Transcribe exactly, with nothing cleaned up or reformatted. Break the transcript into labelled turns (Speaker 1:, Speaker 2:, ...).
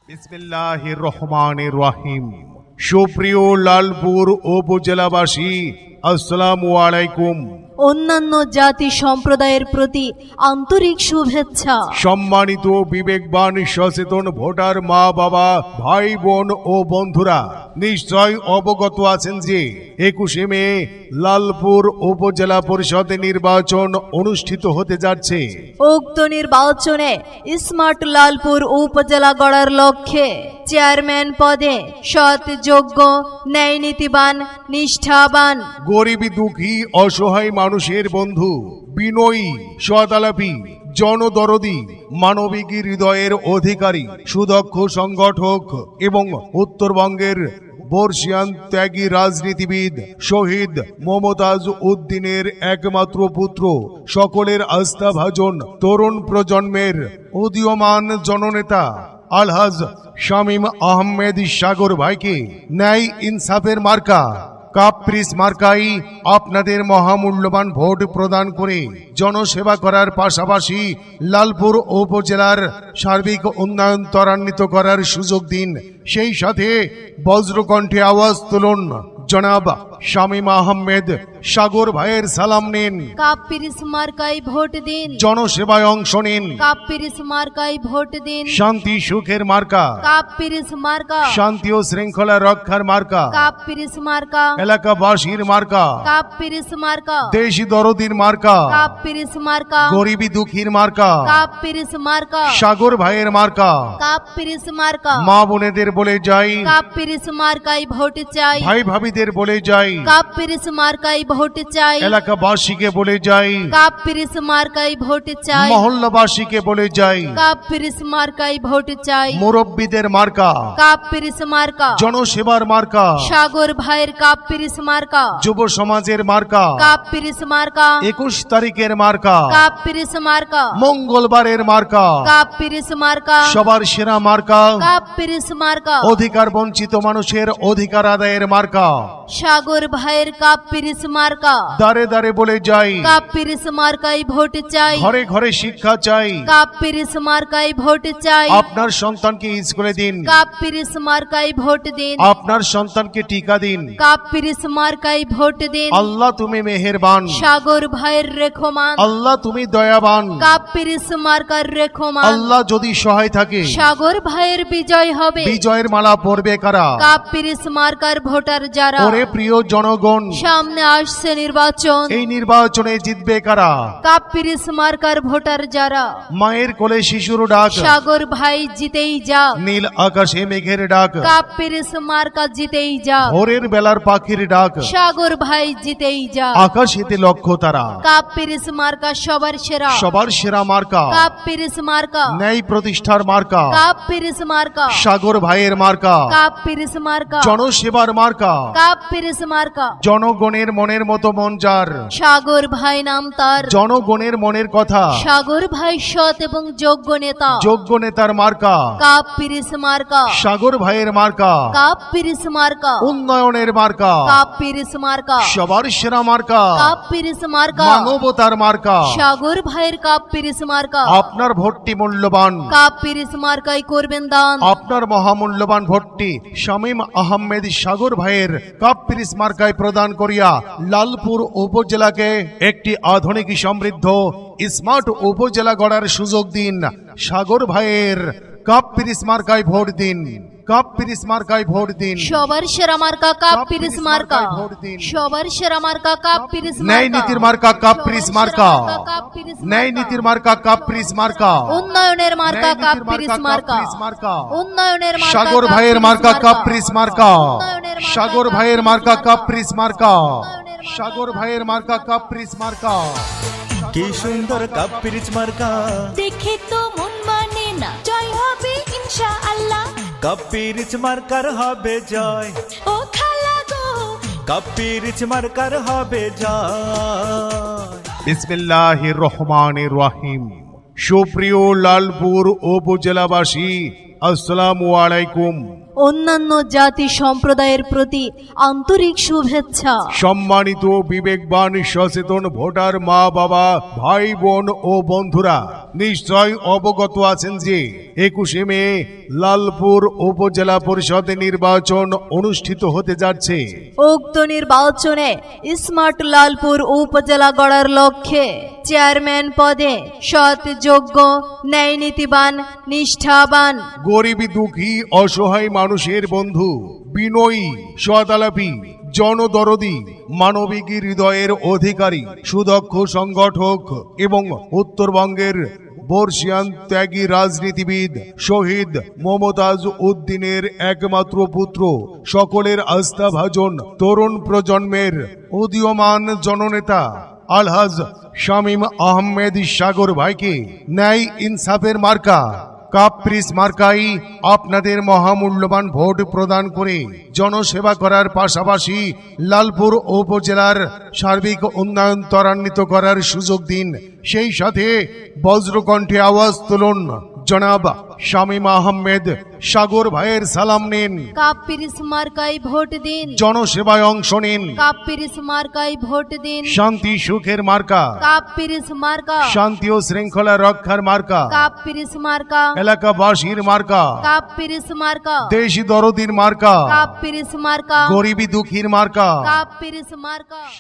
Speaker 1: বিসমিল্লাহির রহমানির রহিম। সুপ্রিয় লালপুর উপজেলাবাসী, আসসালামু আলাইকুম।
Speaker 2: অন্যান্য জাতি সম্প্রদায়ের প্রতি আন্তরিক শুভেচ্ছা।
Speaker 1: সম্মানিত বিবেকবান সচেতন ভোটার মা বাবা, ভাই বোন ও বন্ধুরা, নিশ্চয় অবগত আছেন যে একুশে মে লালপুর উপজেলা পরিষদ নির্বাচন অনুষ্ঠিত হতে যাচ্ছে।
Speaker 2: উক্ত নির্বাচনে স্মার্ট লালপুর উপজেলা গড়ার লক্ষ্যে চেয়ারম্যান পদে সৎ, যোগ্য, ন্যায় নীতিবান, নিষ্ঠাবান,
Speaker 1: গরিব দুঃখী অসহায় মানুষের বন্ধু, বিনয়ী, সদালাপী, জনদরদি, মানবিক হৃদয়ের অধিকারী, সুদক্ষ সংগঠক এবং উত্তরবঙ্গের বর্ষিয়ান ত্যাগী রাজনীতিবিদ শহীদ মমতাজ উদ্দিনের একমাত্র পুত্র, সকলের আস্থাভাজন তরুণ প্রজন্মের উদীয়মান জননেতা আলহাজ শামীম আহমেদ সাগর ভাইকে ন্যায় ইনসাফের মার্কা কাপ্রিস মার্কাই আপনাদের মহামূল্যবান ভোট প্রদান করে জনসেবা করার পাশাপাশি লালপুর উপজেলার সার্বিক উন্নয়ন ত্বরান্বিত করার সুযোগ দিন। সেই সাথে বজ্রকণ্ঠে আওয়াজ তুলুন, জনাব শামীম আহমেদ সাগর ভাইয়ের সালাম নিন।
Speaker 2: কাপ্রিস মার্কায় ভোট দিন।
Speaker 1: জনসেবায় অংশ নিন।
Speaker 2: কাপ্রিস মার্কায় ভোট দিন।
Speaker 1: শান্তি সুখের মার্কা।
Speaker 2: কাপ্রিস মার্কা।
Speaker 1: শান্তি ও শৃঙ্খলা রক্ষার মার্কা।
Speaker 2: কাপ্রিস মার্কা।
Speaker 1: এলাকাবাসীর মার্কা।
Speaker 2: কাপ্রিস মার্কা।
Speaker 1: দেশি দরদির মার্কা।
Speaker 2: কাপ্রিস মার্কা।
Speaker 1: গরিবী দুঃখীর মার্কা।
Speaker 2: কাপ্রিস মার্কা।
Speaker 1: সাগর ভাইয়ের মার্কা।
Speaker 2: কাপ্রিস মার্কা।
Speaker 1: মা বোনেদের বলে যাই,
Speaker 2: কাপ্রিস মার্কায় ভোট চাই।
Speaker 1: ভাই ভাবিদের বলে যাই,
Speaker 2: কাপ্রিস মার্কায় ভোট চাই।
Speaker 1: এলাকাবাসীকে বলে যাই,
Speaker 2: কাপ্রিস মার্কায় ভোট চাই।
Speaker 1: মহল্লাবাসীকে বলে যাই,
Speaker 2: কাপ্রিস মার্কায় ভোট চাই।
Speaker 1: মুরব্বীদের মার্কা।
Speaker 2: কাপ্রিস মার্কা।
Speaker 1: জনসেবার মার্কা।
Speaker 2: সাগর ভাইয়ের কাপ্রিস মার্কা।
Speaker 1: যুব সমাজের মার্কা।
Speaker 2: কাপ্রিস মার্কা।
Speaker 1: একুশ তারিখের মার্কা।
Speaker 2: কাপ্রিস মার্কা।
Speaker 1: মঙ্গলবারের মার্কা।
Speaker 2: কাপ্রিস মার্কা।
Speaker 1: সবার সেরা মার্কা।
Speaker 2: কাপ্রিস মার্কা।
Speaker 1: অধিকার বঞ্চিত মানুষের অধিকার আদায়ের মার্কা।
Speaker 2: সাগর ভাইয়ের কাপ্রিস মার্কা।
Speaker 1: দাঁড়ে দাঁড়ে বলে যাই,
Speaker 2: কাপ্রিস মার্কায় ভোট চাই।
Speaker 1: ঘরে ঘরে শিক্ষা চাই।
Speaker 2: কাপ্রিস মার্কায় ভোট চাই।
Speaker 1: আপনার সন্তানকে স্কুলে দিন।
Speaker 2: কাপ্রিস মার্কায় ভোট দিন।
Speaker 1: আপনার সন্তানকে টিকা দিন।
Speaker 2: কাপ্রিস মার্কায় ভোট দিন।
Speaker 1: আল্লাহ তুমি মেহেরবান।
Speaker 2: সাগর ভাইয়ের রেখমান।
Speaker 1: আল্লাহ তুমি দয়াবান।
Speaker 2: কাপ্রিস মার্কার রেখমান।
Speaker 1: আল্লাহ যদি সহায় থাকে,
Speaker 2: সাগর ভাইয়ের বিজয় হবে।
Speaker 1: বিজয়ের মালা পরবে কারা?
Speaker 2: কাপ্রিস মার্কার ভোটার যারা।
Speaker 1: ওরে প্রিয় জনগণ,
Speaker 2: সামনে আসছে নির্বাচন।
Speaker 1: এই নির্বাচনে জিতবে কারা?
Speaker 2: কাপ্রিস মার্কার ভোটার যারা।
Speaker 1: মায়ের কোলে শিশুর ডাক,
Speaker 2: সাগর ভাই জিতেই যা।
Speaker 1: নীল আকাশে মেঘের ডাক,
Speaker 2: কাপ্রিস মার্কা জিতেই যা।
Speaker 1: ভোরের বেলার পাখির ডাক,
Speaker 2: সাগর ভাই জিতেই যা।
Speaker 1: আকাশেতে লক্ষ্য তারা।
Speaker 2: কাপ্রিস মার্কা সবার সেরা।
Speaker 1: সবার সেরা মার্কা।
Speaker 2: কাপ্রিস মার্কা।
Speaker 1: ন্যায় প্রতিষ্ঠার মার্কা।
Speaker 2: কাপ্রিস মার্কা।
Speaker 1: সাগর ভাইয়ের মার্কা।
Speaker 2: কাপ্রিস মার্কা।
Speaker 1: জনসেবার মার্কা।
Speaker 2: কাপ্রিস মার্কা।
Speaker 1: জনগণের মনের মতো মন যার।
Speaker 2: সাগর ভাই নাম তার।
Speaker 1: জনগণের মনের কথা।
Speaker 2: সাগর ভাই সৎ এবং যোগ্য নেতা।
Speaker 1: যোগ্য নেতার মার্কা।
Speaker 2: কাপ্রিস মার্কা।
Speaker 1: সাগর ভাইয়ের মার্কা।
Speaker 2: কাপ্রিস মার্কা।
Speaker 1: উন্নয়নের মার্কা।
Speaker 2: কাপ্রিস মার্কা।
Speaker 1: সবার সেরা মার্কা।
Speaker 2: কাপ্রিস মার্কা।
Speaker 1: মানবতার মার্কা।
Speaker 2: সাগর ভাইয়ের কাপ্রিস মার্কা।
Speaker 1: আপনার ভোটটি মূল্যবান।
Speaker 2: কাপ্রিস মার্কাই করবেন দান।
Speaker 1: আপনার মহামূল্যবান ভোটটি শামীম আহমেদ সাগর ভাইয়ের কাপ্রিস মার্কায় প্রদান করিয়া লালপুর উপজেলাকে একটি আধুনিক সমৃদ্ধ স্মার্ট উপজেলা গড়ার সুযোগ দিন। সাগর ভাইয়ের কাপ্রিস মার্কায় ভোট দিন। কাপ্রিস মার্কায় ভোট দিন।
Speaker 2: সবার সেরা মার্কা কাপ্রিস মার্কা। সবার সেরা মার্কা কাপ্রিস মার্কা।
Speaker 1: ন্যায় নীতির মার্কা কাপ্রিস মার্কা। ন্যায় নীতির মার্কা কাপ্রিস মার্কা।
Speaker 2: উন্নয়নের মার্কা কাপ্রিস মার্কা। উন্নয়নের মার্কা
Speaker 1: সাগর ভাইয়ের মার্কা কাপ্রিস মার্কা। সাগর ভাইয়ের মার্কা কাপ্রিস মার্কা। সাগর ভাইয়ের মার্কা কাপ্রিস মার্কা।
Speaker 3: কি সুন্দর কাপ্রিস মার্কা,
Speaker 4: দেখে তো মন মানে না। জয় হবে ইনশাআল্লাহ।
Speaker 3: কাপ্রিস মার্কার হবে জয়।
Speaker 4: ও খালা গো,
Speaker 3: কাপ্রিস মার্কার হবে জয়।
Speaker 1: বিসমিল্লাহির রহমানির রহিম। সুপ্রিয় লালপুর উপজেলাবাসী, আসসালামু আলাইকুম।
Speaker 2: অন্যান্য জাতি সম্প্রদায়ের প্রতি আন্তরিক শুভেচ্ছা।
Speaker 1: সম্মানিত বিবেকবান সচেতন ভোটার মা বাবা, ভাই বোন ও বন্ধুরা, নিশ্চয় অবগত আছেন যে একুশে মে লালপুর উপজেলা পরিষদ নির্বাচন অনুষ্ঠিত হতে যাচ্ছে।
Speaker 2: উক্ত নির্বাচনে স্মার্ট লালপুর উপজেলা গড়ার লক্ষ্যে চেয়ারম্যান পদে সৎ, যোগ্য, ন্যায় নীতিবান, নিষ্ঠাবান,
Speaker 1: গরিব দুঃখী অসহায় মানুষের বন্ধু, বিনয়ী, সদালাপী, জনদরদি, মানবিক হৃদয়ের অধিকারী, সুদক্ষ সংগঠক এবং উত্তরবঙ্গের বর্ষিয়ান ত্যাগী রাজনীতিবিদ শহীদ মমতাজ উদ্দিনের একমাত্র পুত্র, সকলের আস্থাভাজন তরুণ প্রজন্মের উদীয়মান জননেতা আলহাজ শামীম আহমেদ সাগর ভাইকে ন্যায় ইনসাফের মার্কা কাপ্রিস মার্কাই আপনাদের মহামূল্যবান ভোট প্রদান করে জনসেবা করার পাশাপাশি লালপুর উপজেলার সার্বিক উন্নয়ন ত্বরান্বিত করার সুযোগ দিন। সেই সাথে বজ্রকণ্ঠে আওয়াজ তুলুন, জনাব শামীম আহমেদ সাগর ভাইয়ের সালাম নিন,
Speaker 2: কাপ্পিরিস মার্কায় ভোট দিন,
Speaker 1: জনসেবায় অংশ নিন।
Speaker 2: কাপ্পিরিস মার্কায় ভোট দিন,
Speaker 1: শান্তি সুখের মার্কা,
Speaker 2: কাপ্পিরিস মার্কা,
Speaker 1: শান্তি ও শৃঙ্খলা রক্ষার মার্কা,
Speaker 2: কাপ্পিরিস মার্কা,
Speaker 1: এলাকাবাসীর মার্কা,
Speaker 2: কাপ্পিরিস মার্কা,
Speaker 1: দেশি দরদির মার্কা,
Speaker 2: কাপ্পিরিস মার্কা,
Speaker 1: গরিবী দুঃখীর মার্কা।
Speaker 2: কাপ্পিরিস মার্কা।